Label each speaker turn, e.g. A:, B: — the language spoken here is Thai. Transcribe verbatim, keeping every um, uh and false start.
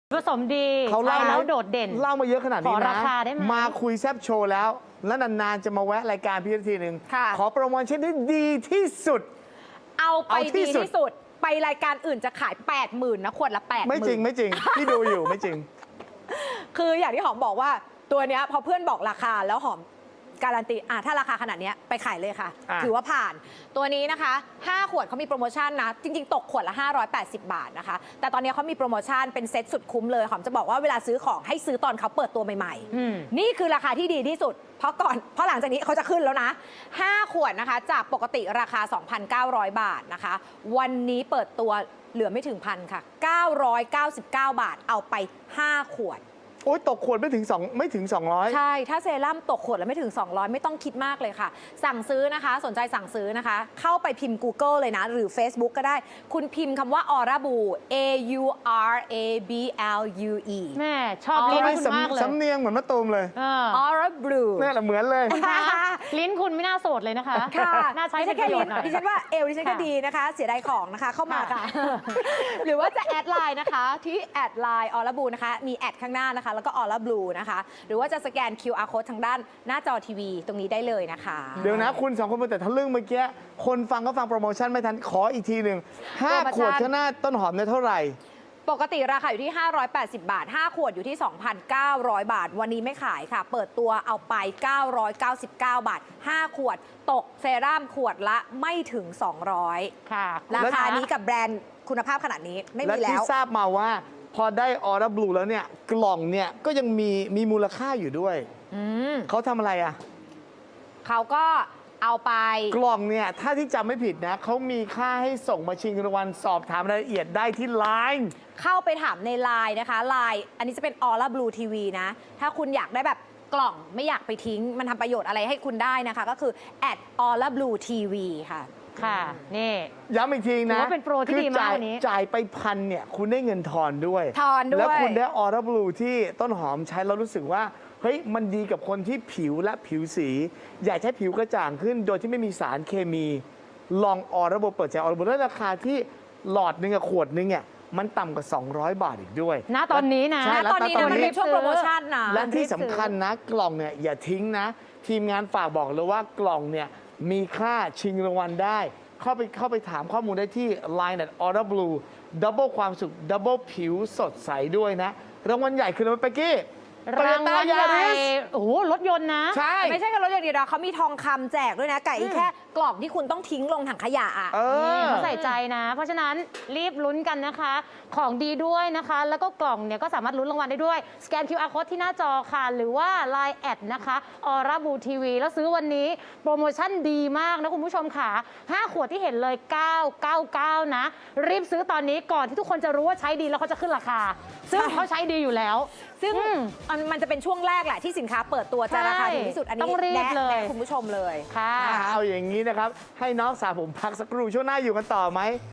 A: ผสมดีเขาเล่าแล้วโดดเด่น
B: เล่ามาเยอะขนาดนี้นะ
A: ขอราคาได้ไหม
B: มาคุยแซบโชว์แล้ว แล้วนานๆจะมาแวะรายการพี่ทีหนึ่งขอโปรโมชั่นที่ดีที่สุด
C: เอาไป
B: เอาที่
C: ดี
B: สุด
C: ที่สุดไปรายการอื่นจะขาย แปดหมื่น นะขวดละแปดหมื่น
B: ไม่จริงไม่จริงที่ดูอยู่ไม่จริง
C: คืออย่างที่หอมบอกว่าตัวเนี้ยพอเพื่อนบอกราคาแล้วหอมการันตีอ่ะถ้าราคาขนาดเนี้ยไปขายเลยค่ะ
B: อ่ะ
C: ถือว่าผ่านตัวนี้นะคะห้าขวดเขามีโปรโมชั่นนะจริงๆ ตกขวดละห้าร้อยแปดสิบบาทนะคะแต่ตอนนี้เขามีโปรโมชั่นเป็นเซ็ตสุดคุ้มเลยหอมจะบอกว่าเวลาซื้อของให้ซื้อตอนเขาเปิดตัวใหม่ๆนี่คือราคาที่ดีที่สุดเพราะก่อนเพราะหลังจากนี้เขาจะขึ้นแล้วนะห้าขวดนะคะจากปกติราคา สองพันเก้าร้อย บาทนะคะวันนี้เปิดตัวเหลือไม่ถึงพันค่ะเก้าร้อยเก้าสิบเก้าบาทเอาไปห้าขวด
B: โอ๊ยตกขวดไม่ถึงสองไม่ถึงสองร้อย
C: ใช่ถ้าเซรั่มตกขวดแล้วไม่ถึงสองร้อยไม่ต้องคิดมากเลยค่ะสั่งซื้อนะคะสนใจสั่งซื้อนะคะเข้าไปพิมพ์ Google เลยนะหรือ Facebook ก็ได้คุณพิมพ์คำว่า Aura Blue A U R A B L U E
A: แม่ชอบลิ้นคุณมากเลย
B: สำเนียงเหมือนมะตูมเลย
C: Aura Blue
B: นี่แหละเหมือนเลย
A: ลิ้นคุณไม่น่าโสดเลยนะคะ
C: ค่ะ
A: น่าใช้
C: ไม่
A: เป็
C: ใช่
A: นป
C: แค่
A: ระโย
C: ลิ้
A: ช
C: น
A: น์หน่อย
C: ดิฉันว่าเอวดิฉันก็ดีนะคะเสียดายของนะคะเข้ามาค่ะ หรือว่าจะแอดไลน์นะคะที่แอดไลน์ Aura Blue นะคะมีแอดข้างหน้านะคะแล้วก็ Aura Blue นะคะหรือว่าจะสแกน คิว อาร์ Code ทางด้านหน้าจอทีวีตรงนี้ได้เลยนะคะ
B: เดี๋ยวนะคุณสองคนมาแต่ทะลึ่งเมื่อกี้คนฟังก็ฟังโปรโมชั่นไม่ทันขออีกทีหนึ่งห้าขวดข้างหน้าต้นหอมเนี่ยเท่าไหร่
C: ปกติราคาอยู่ที่ห้าร้อยแปดสิบบาทห้าขวดอยู่ที่ สองพันเก้าร้อย บาทวันนี้ไม่ขายค่ะเปิดตัวเอาไปเก้าร้อยเก้าสิบเก้าบาทห้าขวดตกเซรั่มขวดละไม่ถึงสองร้อย
A: ค่ะ
C: ราคานี้กับแบรนด์คุณภาพขนาดนี้ไม่
B: และ
C: มีแล้
B: ที่
C: ว
B: ทราบมาว่าพอได้ออร่าบลูแล้วเนี่ยกล่องเนี่ยก็ยังมีมีมูลค่าอยู่ด้วยเขาทำอะไรอ่ะ
C: เขาก็เอาไป
B: กล่องเนี่ยถ้าที่จำไม่ผิดนะเขามีค่าให้ส่งมาชิงรางวัลสอบถามรายละเอียดได้ที่ไลน์
C: เข้าไปถามในไลน์นะคะไลน์อันนี้จะเป็น Aura Blue ที วี นะ ถ้าคุณอยากได้แบบกล่องไม่อยากไปทิ้ง มันทำประโยชน์อะไรให้คุณได้นะคะ ก็คือ แอด Aura Blue ที วี ค่ะ
A: ค่ะนี่
B: ย้ำอีกทีนะ
A: ถือว่าเป็นโปรที่ดีมาก
B: จ่าย
A: วันนี้
B: จ่ายไปพันเนี่ยคุณได้เงินทอนด้วย
C: ทอนด้วย
B: แล้วคุณได้ออร่าบลูที่ต้นหอมใช้แล้วรู้สึกว่าเฮ้ยมันดีกับคนที่ผิวและผิวสี อยากให้ผิวกระจ่างขึ้น โดยที่ไม่มีสารเคมี ลองออร่าบลูเปิดใจออร่าบลูแล้วราคาที่หลอดหนึ่งกับขวดหนึงเนี่ยมันต่ำกว่าสองร้อยบาทอีกด้วย
A: ณตอนนี้นะ
B: ใช่
C: ณตอนนี้
B: แล้ว
C: นะมันเป็นช่วงโปรโมชั่นนะ
B: และที่สำคัญนะกล่องเนี่ยอย่าทิ้งนะ ทีมงานฝากบอกเลยว่ากล่องเนี่ยมีค่าชิงรางวัลได้ เข้าไปเข้าไปถามข้อมูลได้ที่ ไลน์ แอท Aura Blue ดับเบิลความสุขดับเบิลผิวสดใสด้วยนะ รางวัลใหญ่คืออะไรเป๊กกี้
A: รางวัลใหญ่โอ้โหรถยนต์นะ
B: ใช่
C: ไม่ใช่แค่รถอย่างเดียวนะเขามีทองคำแจกด้วยนะไก่แค่กล่องที่คุณต้องทิ้งลงถังขยะอ่ะ
B: เออ
A: นี่เขาใส่ใจนะ เพราะฉะนั้นรีบลุ้นกันนะคะ ของดีด้วยนะคะ แล้วก็กล่องเนี่ยก็สามารถลุ้นรางวัลได้ด้วย สแกน คิว อาร์ Code ที่หน้าจอค่ะ หรือว่า ไลน์ แอดนะคะ Aura Blue ที วี แล้วซื้อวันนี้โปรโมชั่นดีมากนะคุณผู้ชมค่ะห้าขวดที่เห็นเลย เก้าร้อยเก้าสิบเก้า นะ รีบซื้อตอนนี้ก่อนที่ทุกคนจะรู้ว่าใช้ดีแล้วเขาจะขึ้นราคา ซึ่งเขาใช้ดีอยู่แล้ว
C: ซึ่งมันมันจะเป็นช่วงแรกแหละที่สินค้าเปิดตัวจะราคาถูกที่สุดอันนี้
A: ต้องรีบ
C: แนะ
A: เลย
C: แนะคุณผู้ชมเลย
A: ค่ะ
B: เอาอย่างนี้นะครับ ให้น้องสาวผมพักสักครู่ช่วงหน้าอยู่กันต่อไหม